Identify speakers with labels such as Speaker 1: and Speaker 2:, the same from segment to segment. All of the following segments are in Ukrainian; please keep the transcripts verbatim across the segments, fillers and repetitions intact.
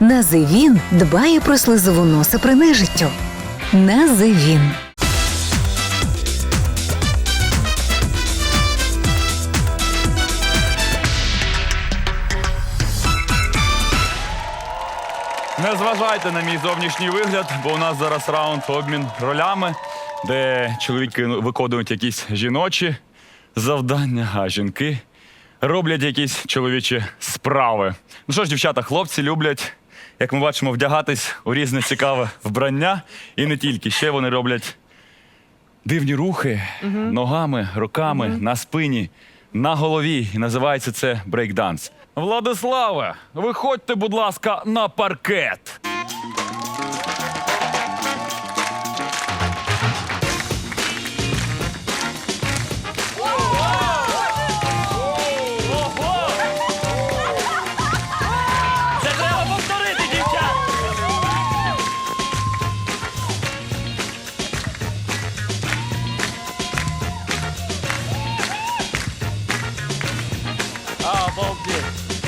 Speaker 1: Називін дбає про слизову носа при нежиттю. Називін.
Speaker 2: Не зважайте на мій зовнішній вигляд, бо у нас зараз раунд обмін ролями, де чоловіки виконують якісь жіночі завдання, а жінки роблять якісь чоловічі справи. Ну що ж, дівчата, хлопці люблять, як ми бачимо, вдягатись у різне цікаве вбрання. І не тільки. Ще вони роблять дивні рухи ногами, руками, на спині, на голові. І називається це брейкданс. Владиславе, виходьте, будь ласка, на паркет.
Speaker 3: Це треба повторити, дівчат! Обалдеть!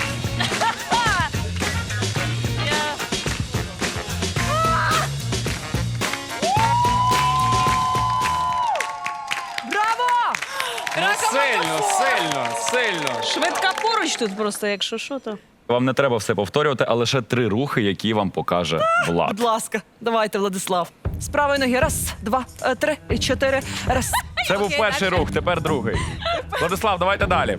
Speaker 4: Браво!
Speaker 5: Сильно, сильно, сильно.
Speaker 4: Швидка поруч тут просто, якщо що, то.
Speaker 2: Вам не треба все повторювати, а лише три рухи, які вам покаже Влад.
Speaker 4: Будь ласка, давайте, Владислав. З правої ноги. Раз, два, е, три, і чотири. Раз.
Speaker 2: Це був перший рух, тепер другий. Владислав, давайте далі.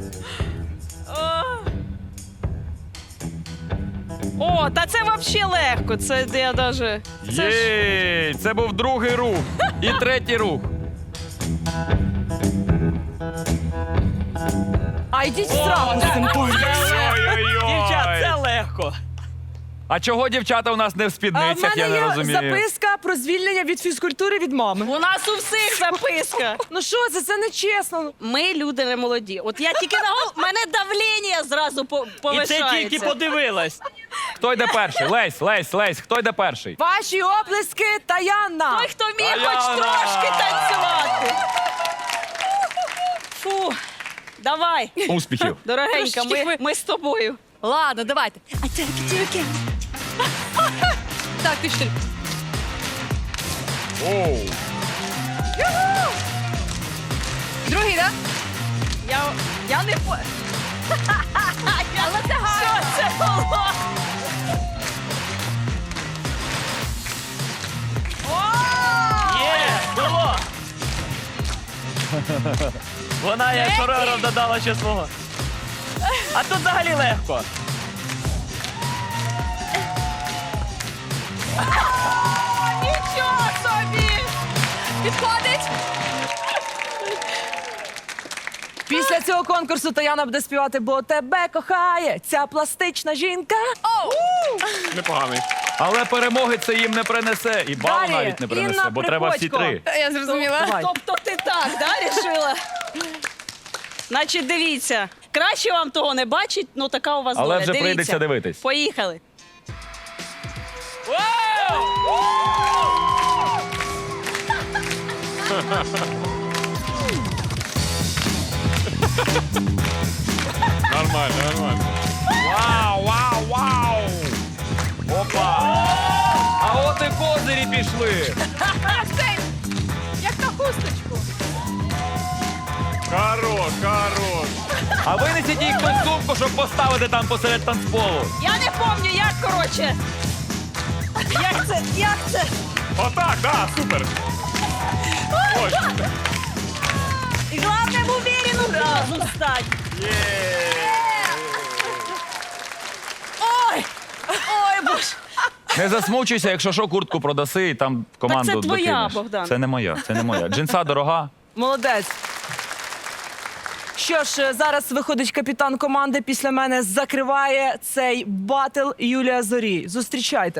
Speaker 4: О, та це взагалі легко. Це я даже. Це ж...
Speaker 2: Єй, це був другий рух. І третій рух.
Speaker 4: А йдіть зразу з цим поруч.
Speaker 3: Дівчат, це
Speaker 2: Ой-ой-ой.
Speaker 3: легко.
Speaker 2: А чого дівчата у нас не в
Speaker 4: А в
Speaker 2: спідницях, я
Speaker 4: мене
Speaker 2: не
Speaker 4: є
Speaker 2: розумію.
Speaker 4: записка про звільнення від фізкультури від мами.
Speaker 6: У нас у всіх записка.
Speaker 4: Ну що це? Це не чесно.
Speaker 6: Ми люди не молоді. От я тільки на гол... мене давлення зразу по-
Speaker 3: І
Speaker 6: повишається.
Speaker 3: це тільки подивилась.
Speaker 2: Хто йде перший? Лесь, Лесь, Лесь, хто йде перший?
Speaker 4: Ваші оплески, Таяна.
Speaker 6: Той, хто вміє
Speaker 2: Таяна!
Speaker 6: хоч трошки танцювати. Фу, давай.
Speaker 2: Успіхів.
Speaker 6: Дорогенька, ми, ми з тобою.
Speaker 7: Ладно, давайте. А це тільки. Так, ти що?
Speaker 2: Оу.
Speaker 7: Другий, так?
Speaker 6: Я, я не по... Але це гарно. Що це було?
Speaker 3: Є, було. Вона як хореограф додала ще свого. А тут взагалі легко.
Speaker 6: Нічого собі.
Speaker 7: Підходить?
Speaker 4: Після цього конкурсу Таяна буде співати «Бо тебе кохає ця пластична жінка».
Speaker 5: Непоганий.
Speaker 2: Але перемоги це їм не принесе. І балу
Speaker 4: Далі.
Speaker 2: навіть не принесе,
Speaker 4: Інна
Speaker 2: бо треба всі
Speaker 4: Приходько.
Speaker 2: три.
Speaker 7: Я зрозуміла.
Speaker 4: Давай.
Speaker 6: Тобто ти так, да, рішила? Значить, дивіться. Краще вам того не бачить, ну така у вас
Speaker 2: Але
Speaker 6: доля.
Speaker 2: вже
Speaker 6: Дивіться.
Speaker 2: прийдеться дивитись.
Speaker 6: Поїхали.
Speaker 5: Нормально, нормально.
Speaker 2: Вау, вау, вау! Опа! А от і козирі пішли.
Speaker 7: Як на хусточку.
Speaker 5: Хорош, хорош.
Speaker 2: А винесіть їх в сумку, щоб поставити там посеред танцполу.
Speaker 6: Я не пам'ятаю, як, коротше. Як це? Як це?
Speaker 5: Отак, да, супер. Ось.
Speaker 6: І головне в уверену разом стать. Ой! Ой, боже.
Speaker 2: Не засмучуйся, якщо що, куртку продаси і там команду
Speaker 6: Так це твоя,
Speaker 2: докинеш.
Speaker 6: Богдан.
Speaker 2: Це не моя, це не моя. Джинса дорога.
Speaker 4: Молодець. Що ж, зараз виходить капітан команди. Після мене закриває цей батл Юлія Зорій. Зустрічайте.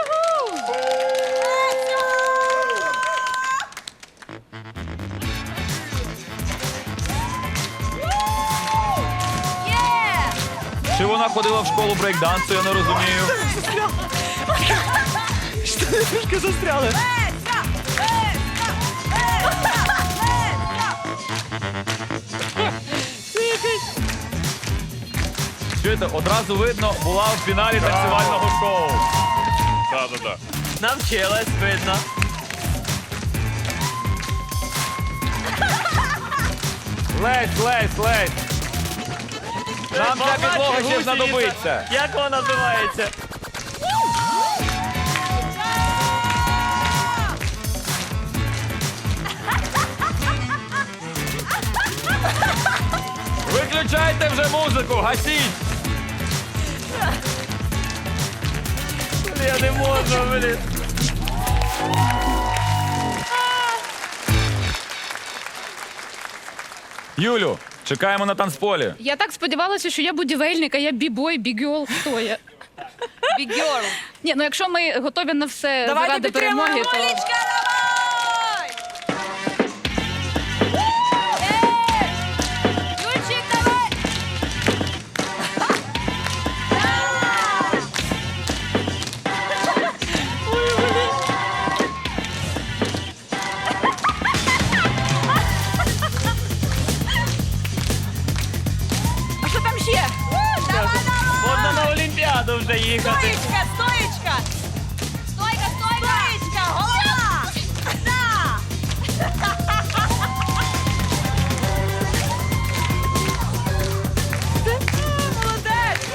Speaker 2: Чи вона ходила в школу брейкдансу, я не розумію.
Speaker 4: Трішки застряли.
Speaker 2: Чуєте, одразу видно, була в фіналі танцювального шоу.
Speaker 5: круто.
Speaker 3: Навчилась, видно.
Speaker 2: Лесь, лесь, лесь. Нам ця підлога ще
Speaker 3: Гусениця.
Speaker 2: знадобиться.
Speaker 3: Як вона називається?
Speaker 2: Виключайте вже музику, гасіть.
Speaker 3: Я не можу, блін.
Speaker 2: Юлю, чекаємо на танцполі.
Speaker 8: Я так сподівалася, що я будівельник, а я бібой, бігьол. Хто я?
Speaker 6: Бігьорл.
Speaker 8: Ні, ну якщо ми готові на все
Speaker 4: Давайте
Speaker 8: заради перемоги,
Speaker 4: підтримуємо,
Speaker 8: то...
Speaker 4: Олічка, давай!
Speaker 7: Юльчик, давай!
Speaker 4: А що там ще?
Speaker 3: Можна на Олімпіаду вже їхати.
Speaker 6: Стоїчка, стоїчка.
Speaker 7: Стойка, стойка!
Speaker 6: Стоїчка, голова. Да. Молодець.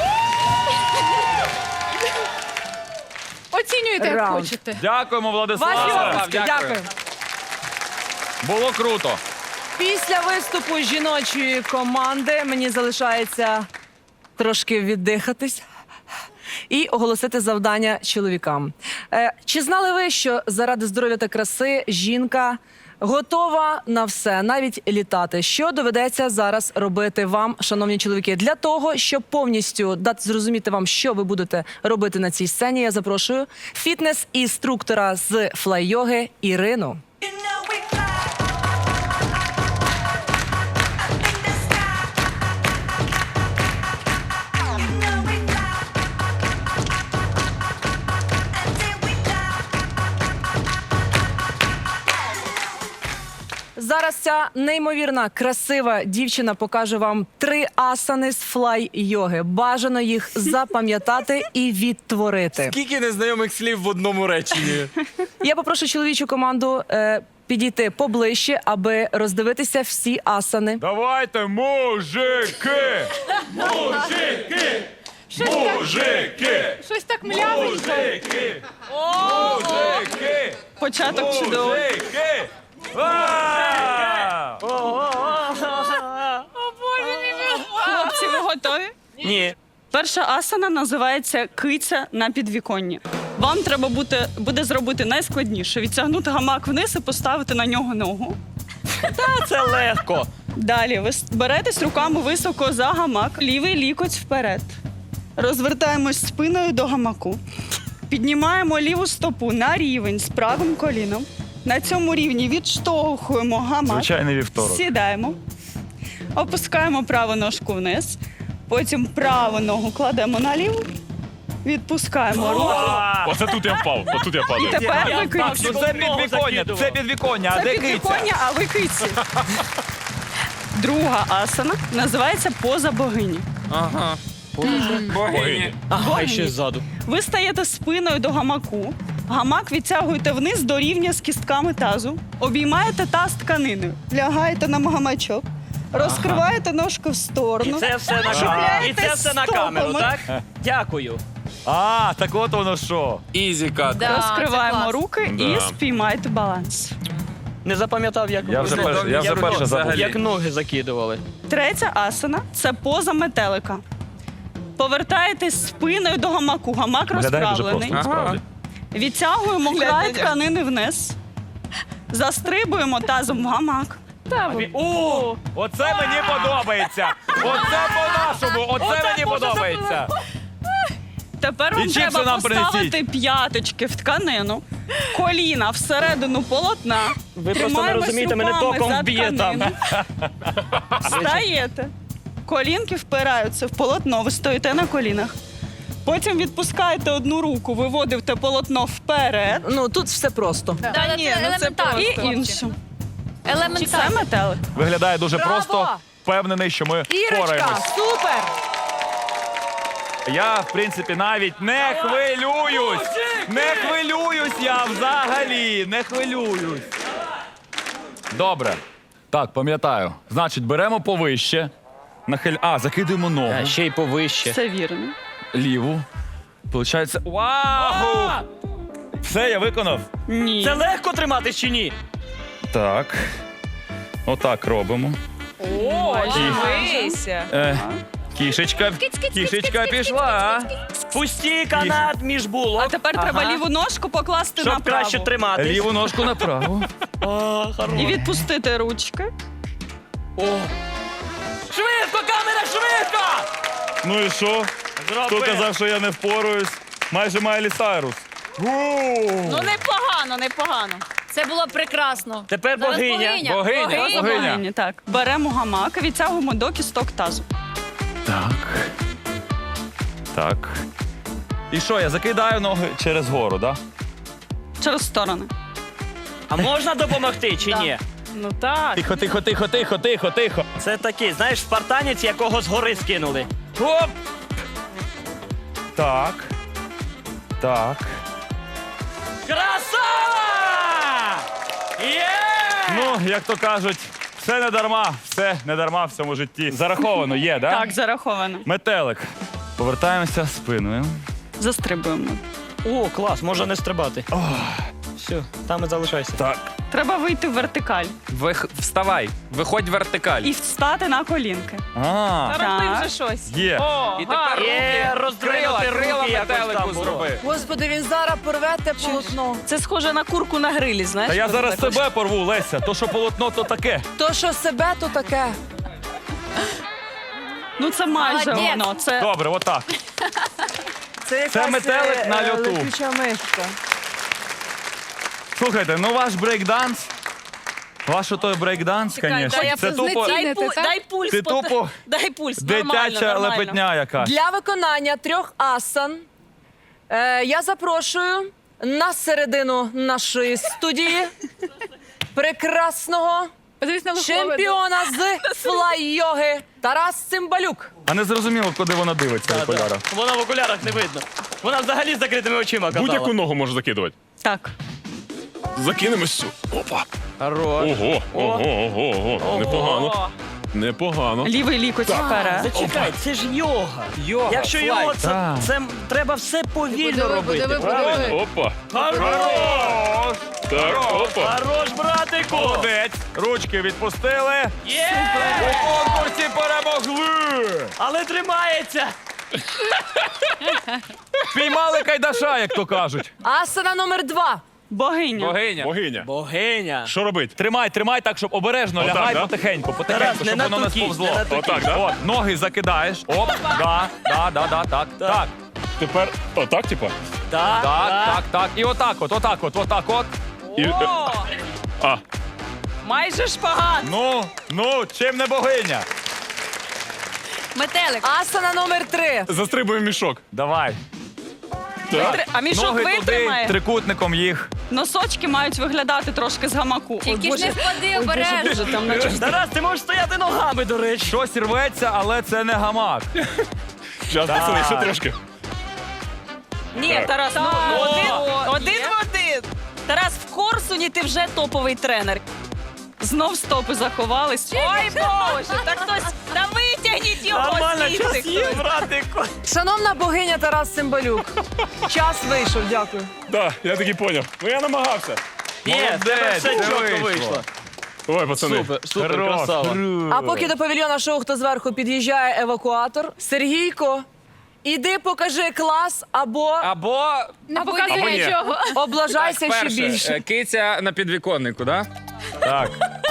Speaker 8: Оцінюйте, як
Speaker 4: Раунд.
Speaker 8: хочете.
Speaker 2: Дякуємо,
Speaker 4: Ваші
Speaker 2: Владиславе.
Speaker 4: оплески, дякую.
Speaker 2: Було круто.
Speaker 4: Після виступу жіночої команди мені залишається трошки віддихатись і оголосити завдання чоловікам. Е, чи знали ви, що заради здоров'я та краси жінка готова на все, навіть літати? Що доведеться зараз робити вам, шановні чоловіки? Для того, щоб повністю дати зрозуміти вам, що ви будете робити на цій сцені, я запрошую фітнес-інструктора з флай-йоги Ірину. Зараз ця неймовірна, красива дівчина покаже вам три асани з флай-йоги. Бажано їх запам'ятати і відтворити.
Speaker 3: Скільки незнайомих слів в одному реченні?
Speaker 4: Я попрошу чоловічу команду е, підійти поближче, аби роздивитися всі асани.
Speaker 2: Давайте, мужики! Мужики! Мужики!
Speaker 8: Щось так млявенько.
Speaker 2: Мужики! Мужики!
Speaker 6: Початок чудовий.
Speaker 2: Мужики! А!
Speaker 6: Хлопці, ви готові?
Speaker 3: Ні.
Speaker 6: Перша асана називається киця на підвіконні. Вам треба буде, буде зробити найскладніше: відтягнути гамак вниз і поставити на нього ногу.
Speaker 3: Та це легко.
Speaker 6: Далі ви с- беретесь руками високо за гамак, лівий лікоть вперед. Розвертаємось спиною до гамаку. Піднімаємо ліву стопу на рівень з правим коліном. На цьому рівні відштовхуємо гамак.
Speaker 2: Звичайний вівторок.
Speaker 6: Сідаємо. Опускаємо праву ножку вниз. Потім праву ногу кладемо на ліву. Відпускаємо руку.
Speaker 5: Оце тут я впав, отут я
Speaker 6: І
Speaker 5: падаю.
Speaker 6: тепер
Speaker 3: Я
Speaker 6: ви
Speaker 3: впав,
Speaker 6: киці.
Speaker 2: Ну це підвіконня, це підвіконня, а
Speaker 6: Це
Speaker 2: де
Speaker 6: під
Speaker 2: киця?
Speaker 6: віконня, а ви киці. Друга асана називається поза богині.
Speaker 3: Ага.
Speaker 5: Богині.
Speaker 3: Ага, і ще ззаду.
Speaker 6: Ви стаєте спиною до гамаку. Гамак відтягуєте вниз до рівня з кістками тазу. Обіймаєте таз тканиною. Лягаєте на гамачок. Розкриваєте ножку в
Speaker 3: І
Speaker 6: сторону.
Speaker 3: це все на камеру.
Speaker 6: Чіпляєтесь
Speaker 3: І це все на камеру,
Speaker 6: стопами.
Speaker 3: так? Дякую.
Speaker 2: А, так от воно що.
Speaker 5: Ізіка.
Speaker 7: Да,
Speaker 6: Розкриваємо
Speaker 7: це клас.
Speaker 6: руки
Speaker 5: Да.
Speaker 6: і спіймайте баланс.
Speaker 3: Не запам'ятав, як
Speaker 2: Я вже перше- я вже перше забув.
Speaker 3: Як ноги закидували.
Speaker 6: Третя асана це поза метелика. Повертаєтесь спиною до гамаку. Гамак
Speaker 2: Виглядає дуже
Speaker 6: розправлений.
Speaker 2: просто, насправді.
Speaker 6: Відтягуємо край тканини вниз. Застрибуємо тазом в гамак.
Speaker 2: О, оце мені подобається. Оце по-нашому, оце мені подобається.
Speaker 6: Тепер
Speaker 2: І
Speaker 6: вам
Speaker 2: чіпси
Speaker 6: треба
Speaker 2: нам
Speaker 6: поставити
Speaker 2: принесіть.
Speaker 6: п'яточки в тканину, коліна всередину полотна.
Speaker 3: Ви просто не
Speaker 6: Тримаємось
Speaker 3: розумієте, мене
Speaker 6: руками
Speaker 3: током
Speaker 6: за
Speaker 3: вб'є там.
Speaker 6: тканину. Встаєте. Колінки впираються в полотно, ви стоїте на колінах. Потім відпускаєте одну руку, виводите полотно вперед.
Speaker 4: Ну тут все просто.
Speaker 7: Да,
Speaker 6: Та
Speaker 7: да,
Speaker 6: ні,
Speaker 7: це
Speaker 6: ну це
Speaker 7: елементарно,
Speaker 6: і
Speaker 7: хлопці.
Speaker 6: іншу. Це
Speaker 7: Елементарно.
Speaker 6: метелик.
Speaker 2: Виглядає дуже
Speaker 4: Браво!
Speaker 2: просто. Впевнений, що ми
Speaker 4: Ірочка,
Speaker 2: впораємось.
Speaker 4: супер!
Speaker 2: Я, в принципі, навіть не хвилююсь. Не хвилююсь я взагалі. Не хвилююсь. Добре. Так, пам'ятаю. Значить, беремо повище. Нахиль... А, закидуємо ногу.
Speaker 3: А, ще й повище.
Speaker 6: Все вірно.
Speaker 2: Ліву. Получається. Вау! Все, я виконав.
Speaker 6: Ні.
Speaker 3: Це легко тримати чи ні?
Speaker 2: Так. Отак робимо.
Speaker 4: О, дивися.
Speaker 2: Е, кішечка, кішечка пішла.
Speaker 3: Пусті канат між булок.
Speaker 6: А тепер треба ліву ножку покласти на
Speaker 3: Щоб
Speaker 6: праву.
Speaker 3: краще триматись.
Speaker 2: Ліву ножку направо.
Speaker 3: О, хорош.
Speaker 6: І відпустити ручки.
Speaker 3: Швидко, камера, швидко!
Speaker 2: Ну і що? Хто
Speaker 3: Зроби.
Speaker 2: казав, що я не впораюсь? Майже Майлі Сайрус.
Speaker 7: Ну непогано, непогано. Це було прекрасно.
Speaker 3: Тепер
Speaker 7: Зараз
Speaker 3: богиня.
Speaker 7: богиня.
Speaker 2: Богиня,
Speaker 7: Богиня.
Speaker 2: богиня.
Speaker 6: Богині, так. Беремо гамак, відтягуємо до кісток тазу.
Speaker 2: Так. Так. І що, я закидаю ноги через гору, так?
Speaker 6: Через сторони.
Speaker 3: А можна допомогти чи ні?
Speaker 6: Ну так.
Speaker 2: Тихо, тихо, тихо, тихо, тихо, тихо.
Speaker 3: Це такий, знаєш, спартанець, якого з гори скинули.
Speaker 2: Оп! Так. Так.
Speaker 3: Красава! Є!
Speaker 2: Ну, як то кажуть, все не дарма, все не дарма в цьому житті. Зараховано є, да?
Speaker 6: Так, зараховано.
Speaker 2: Метелик. Повертаємося спиною.
Speaker 6: Застрибуємо.
Speaker 3: О, клас, можна не стрибати. Все, там і залишайся.
Speaker 2: Так.
Speaker 6: Треба вийти в вертикаль
Speaker 5: Вих... Вставай, виходь в вертикаль.
Speaker 6: і встати на колінки.
Speaker 2: А,
Speaker 6: Так.
Speaker 7: щось.
Speaker 2: є.
Speaker 5: І тепер
Speaker 3: Є,
Speaker 5: руки,
Speaker 3: роздвинути
Speaker 5: крила, крила
Speaker 3: руки якось
Speaker 5: метелику
Speaker 3: там було.
Speaker 5: зроби.
Speaker 4: Господи, він зараз порве те полотно.
Speaker 6: Це схоже на курку на грилі, знаєш?
Speaker 2: Та я
Speaker 6: коли
Speaker 2: зараз
Speaker 6: так
Speaker 2: себе порву, Леся. То, що полотно, то таке.
Speaker 4: То, що себе, то таке.
Speaker 6: Ну це майже
Speaker 7: Молодець.
Speaker 6: воно. Це
Speaker 2: Добре, отак.
Speaker 4: Це, якась,
Speaker 2: метелик
Speaker 4: е,
Speaker 2: на
Speaker 4: е,
Speaker 2: льоту.
Speaker 4: летюча мишка.
Speaker 2: Слухайте, ну ваш брейкданс. Ваш той брейкданс,
Speaker 7: Чекай,
Speaker 2: звісно.
Speaker 7: дай я
Speaker 2: Це
Speaker 7: пульс-
Speaker 2: тупо
Speaker 7: дай,
Speaker 8: Зацінити,
Speaker 7: пу-
Speaker 8: так?
Speaker 7: дай пульс.
Speaker 2: Ти
Speaker 7: пот-
Speaker 2: тупо
Speaker 7: Дай пульс. Нормально,
Speaker 2: дитяча
Speaker 7: нормально.
Speaker 2: лепетня якась.
Speaker 4: Для виконання трьох асан е, я запрошую на середину нашої студії прекрасного
Speaker 8: Подивись на Лухове.
Speaker 4: чемпіона з флай-йоги Тарас Цимбалюк.
Speaker 2: А не зрозуміло, куди вона дивиться в
Speaker 3: Да, да.
Speaker 2: окулярах.
Speaker 3: Вона в окулярах не видно. Вона взагалі з закритими очима казала.
Speaker 5: Будь-яку ногу можеш закидувати.
Speaker 6: так.
Speaker 5: Закинемось цю. Опа.
Speaker 3: Хорош.
Speaker 5: Ого, ого, ого, ого. Непогано. Непогано.
Speaker 6: Лівий лікоть вперед.
Speaker 3: Зачекай, це ж йога.
Speaker 5: Йога,
Speaker 3: Якщо
Speaker 5: флай.
Speaker 3: його, це,
Speaker 2: Так.
Speaker 3: це треба все повільно
Speaker 8: Подиви,
Speaker 3: робити.
Speaker 8: подиви,
Speaker 3: правильно?
Speaker 8: подиви.
Speaker 5: Опа.
Speaker 3: Хорош!
Speaker 5: Так, опа.
Speaker 3: Хорош, братику!
Speaker 2: Молодець. Ручки відпустили.
Speaker 3: Є!
Speaker 2: У конкурсі перемогли.
Speaker 3: Але тримається!
Speaker 2: Піймали кайдаша, як то кажуть.
Speaker 4: Асана номер два.
Speaker 6: Богиня.
Speaker 5: Богиня. Богиня.
Speaker 3: Богиня!
Speaker 5: Що робити?
Speaker 2: Тримай, тримай так, щоб обережно,
Speaker 5: Отак,
Speaker 2: лягай
Speaker 5: да?
Speaker 2: потихеньку, потихеньку,
Speaker 3: Тарас, не
Speaker 2: щоб
Speaker 3: на
Speaker 2: воно не
Speaker 3: ту кість,
Speaker 2: сповзло.
Speaker 3: не на ту
Speaker 5: Отак, да?
Speaker 2: От, ноги закидаєш. Оп, да, да, да, да, так, так,
Speaker 5: Тепер отак, типа?
Speaker 3: Так,
Speaker 2: так, так, так. І отак от, отак от, отак от.
Speaker 5: І...
Speaker 6: О,
Speaker 5: А,
Speaker 6: майже шпагат.
Speaker 2: Ну, ну, чим не богиня?
Speaker 7: Метелик.
Speaker 4: Асана номер три.
Speaker 5: застрибуємо мішок.
Speaker 2: Давай.
Speaker 5: Так.
Speaker 6: А мішок
Speaker 2: Ноги туди,
Speaker 6: витримає.
Speaker 2: трикутником їх.
Speaker 6: Носочки мають виглядати трошки з гамаку.
Speaker 7: Тільки ж не впади обережно.
Speaker 6: Там наче
Speaker 3: Тарас, ти можеш стояти ногами, до речі.
Speaker 2: Щось рветься, але це не гамак.
Speaker 5: Зараз, пацани, ще трошки.
Speaker 6: Ні, Тарас, ну, ну,
Speaker 3: О,
Speaker 6: один,
Speaker 3: є.
Speaker 6: один в один. Тарас, в Корсуні ти вже топовий тренер. Знов стопи заховались. Ой, Боже, так хтось, та витягніть його
Speaker 3: Нормально,
Speaker 6: звідси
Speaker 3: час є,
Speaker 6: хтось.
Speaker 3: братику.
Speaker 4: Шановна богиня Тарас Цимбалюк. Час вийшов, дякую.
Speaker 5: Так, я таки поняв. Ну я намагався.
Speaker 3: Ні, в тебе
Speaker 2: Молодець,
Speaker 3: все
Speaker 2: це
Speaker 3: чітко
Speaker 2: вийшло.
Speaker 3: вийшло.
Speaker 5: Ой, пацани.
Speaker 3: Супер, супер,
Speaker 2: Хорош.
Speaker 3: красава.
Speaker 4: А поки до павільйона шоу «Хто зверху» під'їжджає евакуатор, Сергійко, іди покажи клас або
Speaker 9: Або
Speaker 8: Не
Speaker 9: Або
Speaker 8: показує
Speaker 9: ні.
Speaker 8: нічого.
Speaker 4: облажайся ще
Speaker 9: перше,
Speaker 4: більше.
Speaker 9: е, киця на підвіконнику, да?
Speaker 2: Так.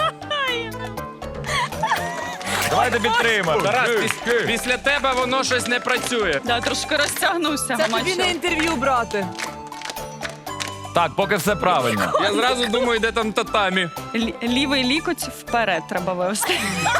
Speaker 2: Давайте підтримаємо.
Speaker 9: Тарас, піс- після тебе воно щось не працює.
Speaker 6: Да, трошки розтягнувся.
Speaker 4: Це тобі
Speaker 6: гамачок.
Speaker 4: не інтерв'ю брати.
Speaker 2: Так, поки все правильно.
Speaker 9: Я зразу думаю, де там татамі.
Speaker 6: Лі- Лівий лікоть вперед треба вивести.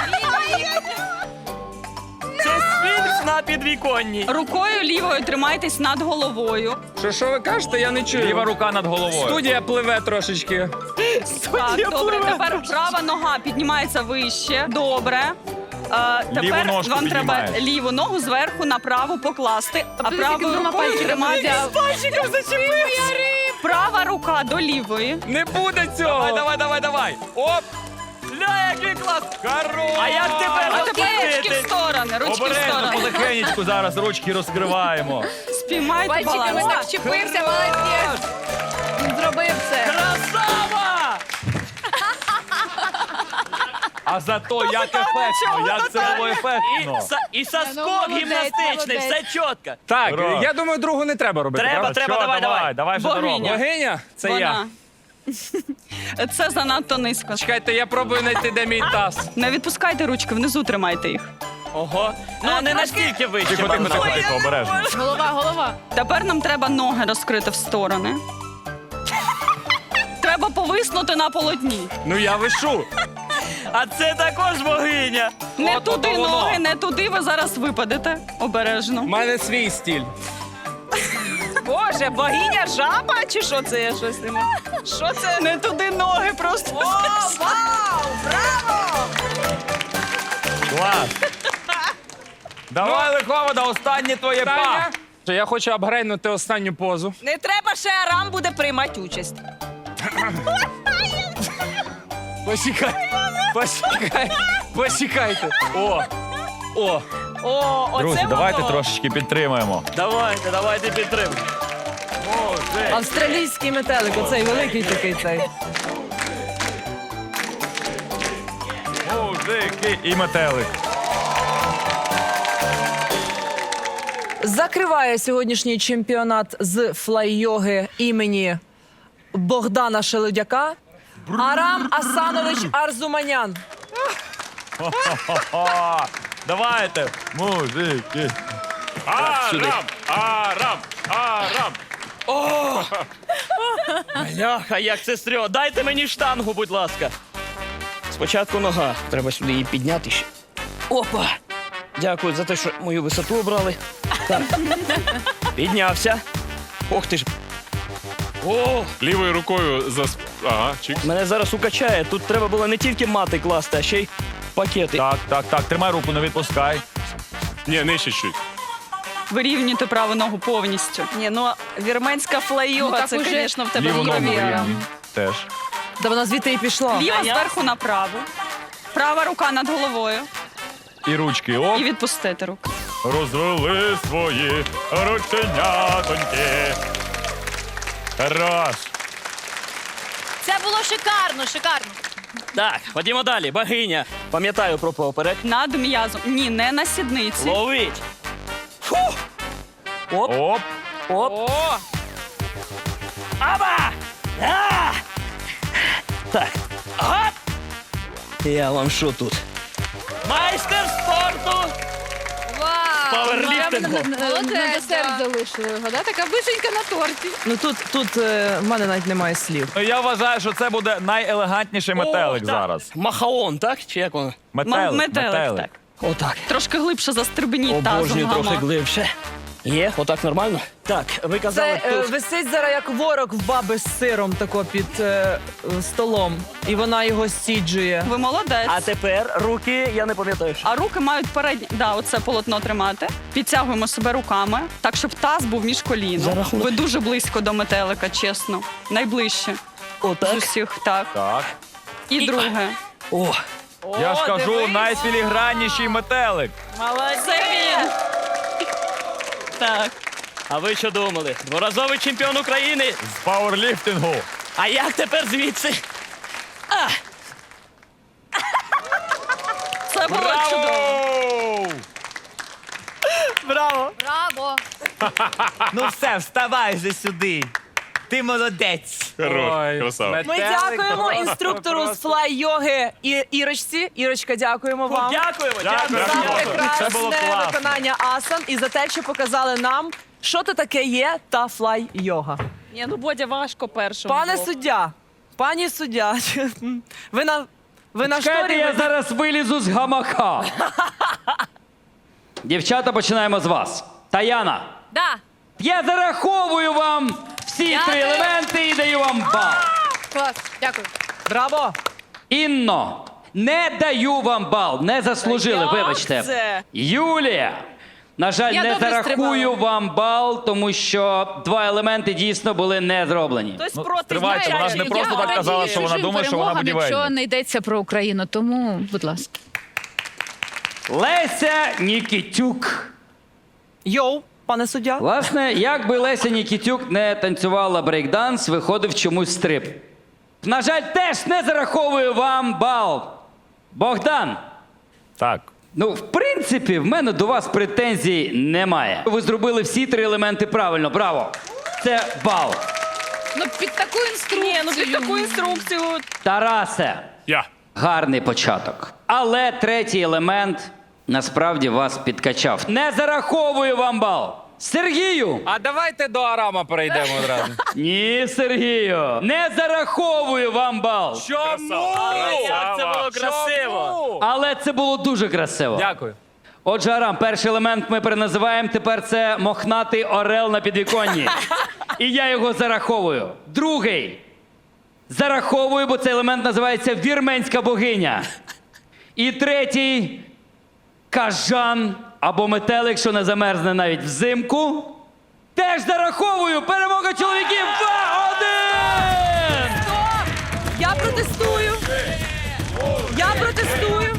Speaker 3: Це сфінкс на підвіконні.
Speaker 6: Рукою лівою тримайтесь над головою.
Speaker 9: Що, що ви кажете, я не чую.
Speaker 2: Ліва рука над головою.
Speaker 9: Студія пливе трошечки.
Speaker 6: Так, добре, тепер права нога піднімається вище. Добре. А,
Speaker 2: Ліву
Speaker 6: тепер
Speaker 2: ножку
Speaker 6: вам треба
Speaker 2: піднімаєш.
Speaker 6: ліву ногу зверху на праву покласти, а
Speaker 8: подивись,
Speaker 6: правою
Speaker 8: як він
Speaker 6: рукою
Speaker 8: пальчиком
Speaker 6: тримати.
Speaker 8: взяв.
Speaker 6: Пальчиком зачепився. Права рука до лівої.
Speaker 9: Не буде цього.
Speaker 2: Давай, давай, давай, давай. Оп! Ля, який клас! Хорош!
Speaker 3: А як тепер
Speaker 6: А тепер ручки в
Speaker 3: розпустити?
Speaker 6: сторони, ручки в
Speaker 2: Обережно,
Speaker 6: сторони.
Speaker 2: потихенечку зараз ручки розкриваємо.
Speaker 6: Спіймайте
Speaker 8: Пальчиками
Speaker 6: баланс.
Speaker 8: так чепився, молодець. Він зробив це.
Speaker 3: Красава!
Speaker 2: А зато як ефектно, як це було
Speaker 3: І,
Speaker 2: ефектно.
Speaker 3: са- і соскок
Speaker 8: Ну, молодець,
Speaker 3: гімнастичний, все
Speaker 8: молодець.
Speaker 3: чітко.
Speaker 9: Так,
Speaker 2: Ура.
Speaker 9: я думаю, другу не треба робити.
Speaker 3: Треба,
Speaker 9: правда?
Speaker 3: треба,
Speaker 2: Що,
Speaker 3: давай, давай.
Speaker 2: давай вже
Speaker 6: Богиня.
Speaker 2: дорогу.
Speaker 9: Богиня? Це я.
Speaker 6: Вона. Це занадто низько.
Speaker 9: Чекайте, я пробую знайти, де мій таз.
Speaker 6: Не відпускайте ручки, внизу тримайте їх.
Speaker 3: Ого. Ну, не настільки вище.
Speaker 2: Тихо, тихо, тихо,
Speaker 3: Ой,
Speaker 2: тихо, обережно.
Speaker 8: Голова, голова.
Speaker 6: Тепер нам треба ноги розкрити в сторони. Треба повиснути на полотні.
Speaker 9: Ну я вишу.
Speaker 3: А це також богиня.
Speaker 6: Не
Speaker 9: От
Speaker 6: туди
Speaker 9: воно.
Speaker 6: ноги, не туди, ви зараз випадете. Обережно.
Speaker 9: У мене свій стіль.
Speaker 4: Боже, богиня жаба чи що це? Я щось не можу. Що це?
Speaker 6: Не туди ноги просто.
Speaker 4: О, вау! Браво!
Speaker 2: Клас. Давай, Лиховода, останнє твоє па.
Speaker 9: Таня, я хочу апгрейднути останню позу.
Speaker 4: Не треба, ще Арам буде приймати участь.
Speaker 9: Посікай. Посікай. Посікайте. О. О.
Speaker 4: О, оце
Speaker 2: Друзі, давайте
Speaker 4: воно.
Speaker 2: трошечки підтримаємо.
Speaker 3: Давайте, давайте підтримуємо.
Speaker 4: Австралійський метелик, оцей великий такий цей.
Speaker 2: Музики і метелик.
Speaker 4: Закриває сьогоднішній чемпіонат з флай-йоги імені Богдана Шелудяка Арам Асанович Арзуманян.
Speaker 2: О, давайте, музики.
Speaker 5: Арам! Арам! Арам!
Speaker 3: Бляха, як це стрьо. Дайте мені штангу, будь ласка. Спочатку нога. Треба сюди її підняти ще. Опа! Дякую за те, що мою висоту обрали. Так. Піднявся. Ох ти ж. О,
Speaker 5: Лівою рукою за... сп- Ага, чик.
Speaker 3: мене зараз укачає. Тут треба було не тільки мати класти, а ще й пакети.
Speaker 2: Так, так, так, тримай руку, не відпускай.
Speaker 5: Ні, нижче чуть.
Speaker 6: Вирівнюйте праву ногу повністю.
Speaker 4: Ні, ну вірменська
Speaker 8: Ну,
Speaker 4: флай-йога,
Speaker 8: так
Speaker 4: це,
Speaker 8: уже
Speaker 4: звісно, в тебе
Speaker 2: Ліву ногу
Speaker 4: вірві.
Speaker 2: вирівнюй. Теж.
Speaker 4: Да вона звідти і пішла.
Speaker 6: Ліва зверху на праву. Права рука над головою.
Speaker 2: І ручки, оп,
Speaker 6: І відпустити руку.
Speaker 2: розвели свої рученятоньки. Хорош.
Speaker 7: Це було шикарно, шикарно.
Speaker 3: Так, ходімо далі. Богиня. Пам'ятаю про поперек.
Speaker 6: Над м'язом. Ні, не на сідниці.
Speaker 3: Ловить. Фу! Оп,
Speaker 2: Оп,
Speaker 3: оп.
Speaker 9: О.
Speaker 3: Аба! А! Так. Ага. Я вам що тут? Майстер спорту!
Speaker 7: Вау!
Speaker 3: Паверліфтингу.
Speaker 8: На
Speaker 7: Молодець,
Speaker 8: десерт
Speaker 7: да.
Speaker 8: залишили його, да? Така вишенька на торті.
Speaker 4: Ну тут, тут е, в мене навіть немає слів.
Speaker 2: ну я вважаю, що це буде найелегантніший метелик
Speaker 3: О, так.
Speaker 2: зараз.
Speaker 3: Махаон, так? Чи як воно?
Speaker 2: Метелик,
Speaker 6: метелик,
Speaker 2: метелик.
Speaker 6: так.
Speaker 3: Отак.
Speaker 6: Трошки глибше застрибніть тазом
Speaker 3: Обожнюю трохи
Speaker 6: гамак.
Speaker 3: глибше. Є, отак нормально? Так, ви казали
Speaker 4: Це е,
Speaker 3: тут.
Speaker 4: висить зараз як ворог в баби з сиром тако під е, е, столом. І вона його сіджує.
Speaker 6: Ви молодець.
Speaker 3: А тепер руки, я не пам'ятаю. що.
Speaker 6: А руки мають передні. Да, оце полотно тримати. Підтягуємо себе руками, так, щоб таз був між
Speaker 3: За
Speaker 6: коліном.
Speaker 3: рахунок-
Speaker 6: Ви дуже близько до метелика, чесно. Найближче. З
Speaker 3: Отак.
Speaker 6: усіх, так.
Speaker 2: Так.
Speaker 6: І друге.
Speaker 3: О,
Speaker 2: Я ж кажу,
Speaker 4: дивись.
Speaker 2: найфілігранніший метелик.
Speaker 6: Це він. Так.
Speaker 3: а ви що думали? Дворазовий чемпіон України.
Speaker 2: З пауерліфтингу.
Speaker 3: А як тепер звідси? А,
Speaker 6: Це було чудово.
Speaker 2: Браво!
Speaker 3: браво!
Speaker 7: Браво!
Speaker 2: Ну все, вставай же сюди. Ти молодець.
Speaker 5: Хорош,
Speaker 9: Ой,
Speaker 5: красава.
Speaker 4: Ми
Speaker 9: метелик
Speaker 4: дякуємо
Speaker 9: просто,
Speaker 4: інструктору з
Speaker 9: просто.
Speaker 4: флай-йоги і Ірочці. Ірочка, дякуємо вам.
Speaker 3: Дякуємо,
Speaker 2: Дякую.
Speaker 3: дякуємо.
Speaker 4: За
Speaker 2: Дякую. Це було
Speaker 4: прекрасне
Speaker 2: класно.
Speaker 4: виконання асан і за те, що показали нам, що то таке є та флай-йога.
Speaker 6: Ні, ну Бодя важко першому.
Speaker 4: Пане суддя, пані суддя, ви на ви на
Speaker 10: Чекайте,
Speaker 4: шторі.
Speaker 10: я зараз вилізу з гамака. Дівчата, починаємо з вас. Таяна,
Speaker 7: Да.
Speaker 10: я зараховую вам всі три
Speaker 7: Дякую.
Speaker 10: елементи і даю вам бал.
Speaker 7: Клас, дякую.
Speaker 4: Браво!
Speaker 10: Інно, Не даю вам бал. Не заслужили,
Speaker 6: Як
Speaker 10: вибачте.
Speaker 6: це?
Speaker 10: Юлія! На жаль,
Speaker 8: Я
Speaker 10: не
Speaker 8: добре
Speaker 10: зарахую
Speaker 8: стрибала.
Speaker 10: вам бал, тому що два елементи дійсно були не зроблені.
Speaker 6: Хтось
Speaker 2: Ну,
Speaker 6: проти
Speaker 2: стривайте,
Speaker 6: знаєте,
Speaker 2: вона ж не
Speaker 6: я
Speaker 2: просто так
Speaker 6: радію.
Speaker 2: казала, що вона думає, що вона
Speaker 8: будівельник.
Speaker 2: будівельник.
Speaker 8: Якщо не йдеться про Україну, тому, будь ласка.
Speaker 10: Леся Нікітюк.
Speaker 4: Йоу, пане суддя.
Speaker 10: Власне, як би Леся Нікітюк не танцювала брейкданс, виходив чомусь стрип. На жаль, теж не зараховую вам бал. Богдан,
Speaker 2: Так.
Speaker 10: ну, в принципі, в мене до вас претензій немає. Ви зробили всі три елементи правильно, браво. Це бал.
Speaker 8: Ну, під таку інструкцію.
Speaker 6: Ні, ну під таку інструкцію.
Speaker 10: Тарасе,
Speaker 5: Я.
Speaker 10: гарний початок. Але третій елемент насправді вас підкачав. Не зараховую вам бал. Сергію!
Speaker 9: А давайте до Арама перейдемо одразу.
Speaker 10: Ні, Сергію! Не зараховую вам бал.
Speaker 9: Чому?
Speaker 3: Як це було красиво!
Speaker 10: Але це було дуже красиво.
Speaker 9: Дякую.
Speaker 10: Отже, Арам, перший елемент ми переназиваємо, тепер це мохнатий орел на підвіконні. І я його зараховую. Другий. Зараховую, бо цей елемент називається вірменська богиня. І третій кажан або метелик, що не замерзне навіть взимку. Теж зараховую. Перемога чоловіків два-один!
Speaker 4: Я протестую. Я протестую.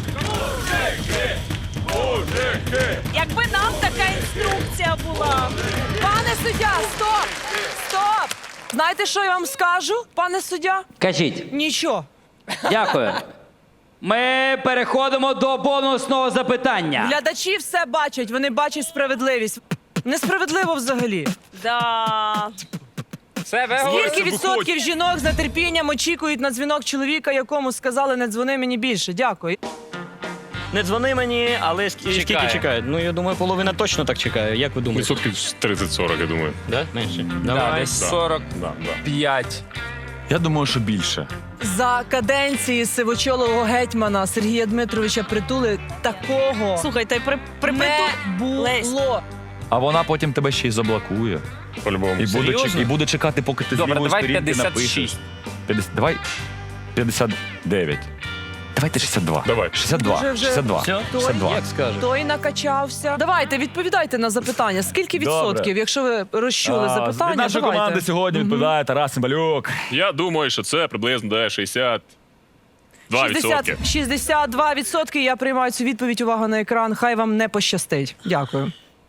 Speaker 6: Якби нам така інструкція була.
Speaker 4: Пане суддя, стоп! Стоп! Знаєте, що я вам скажу, пане суддя?
Speaker 10: Кажіть.
Speaker 4: Нічого.
Speaker 10: Дякую. Ми переходимо до бонусного запитання.
Speaker 4: Глядачі все бачать, вони бачать справедливість. Несправедливо взагалі.
Speaker 6: Да.
Speaker 9: Все, ви
Speaker 4: Скільки
Speaker 9: говорите.
Speaker 4: відсотків жінок з нетерпінням очікують на дзвінок чоловіка, якому сказали не дзвони мені більше? Дякую.
Speaker 3: Не дзвони мені, але ск-
Speaker 9: Чекає.
Speaker 3: скільки чекають? Ну, я думаю, половина точно так чекає. Як ви думаєте?
Speaker 5: Відсотків тридцять-сорок, я думаю.
Speaker 3: Да? Менше?
Speaker 9: Да,
Speaker 3: Давай.
Speaker 9: десь сорок п'ять.
Speaker 5: Да, да.
Speaker 2: Я думаю, що більше.
Speaker 4: За каденції сивочолого гетьмана Сергія Дмитровича Притули такого
Speaker 6: Слухайте, при, при,
Speaker 4: не
Speaker 6: Лесь.
Speaker 4: було.
Speaker 2: А вона потім тебе ще й заблокує.
Speaker 5: По-любому.
Speaker 2: І буде,
Speaker 3: Серйозно?
Speaker 2: чек- і буде чекати, поки ти з
Speaker 9: Добре,
Speaker 2: лівої
Speaker 9: давай
Speaker 2: сторінки
Speaker 9: п'ятдесят
Speaker 2: напишеш.
Speaker 9: шість.
Speaker 2: п'ятдесят Давай п'ятдесят дев'ять. Давайте шістдесят два.
Speaker 5: Давай.
Speaker 2: шістдесят два.
Speaker 4: Вже- вже-
Speaker 2: шістдесят два.
Speaker 3: Все?
Speaker 2: шістдесят два.
Speaker 3: Як скажеш?
Speaker 4: Той накачався. Давайте, відповідайте на запитання. Скільки
Speaker 2: Добре.
Speaker 4: відсотків, якщо ви розчули
Speaker 2: А,
Speaker 4: запитання?
Speaker 2: Від нашої
Speaker 4: давайте.
Speaker 2: команди сьогодні відповідає Тарас Цимбалюк.
Speaker 5: Я думаю, що це приблизно де шістдесят два відсотки.
Speaker 4: шістдесят, шістдесят два відсотки. Я приймаю цю відповідь. Увага на екран. Хай вам не пощастить. Дякую.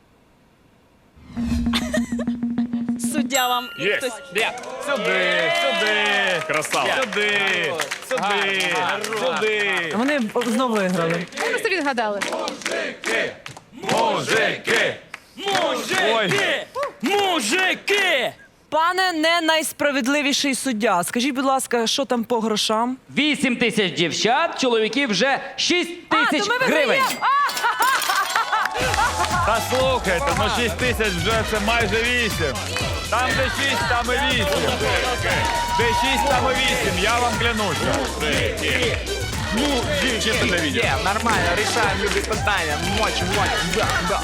Speaker 6: Суддя вам.
Speaker 5: Є.
Speaker 6: Хтось.
Speaker 2: Сюди, сюди,
Speaker 5: Красава.
Speaker 2: сюди, сюди, сюди.
Speaker 4: Вони знову виграли.
Speaker 8: Ви просто відгадали.
Speaker 2: Мужики! Ой,
Speaker 3: Мужики!
Speaker 4: Пане не найсправедливіший суддя. Скажіть, будь ласка, що там по грошам?
Speaker 10: Вісім тисяч дівчат, чоловіків вже шість
Speaker 4: А,
Speaker 10: тисяч
Speaker 4: то ми
Speaker 10: гривень.
Speaker 4: виграємо!
Speaker 2: та слухайте, ну шість тисяч вже це майже вісім. Там де шість, там і вісім. Де шість, там і вісім, я вам клянуся. Ну, чисто для відео.
Speaker 9: Є, нормально, рішаємо любі питання. Моч, моч, да, да.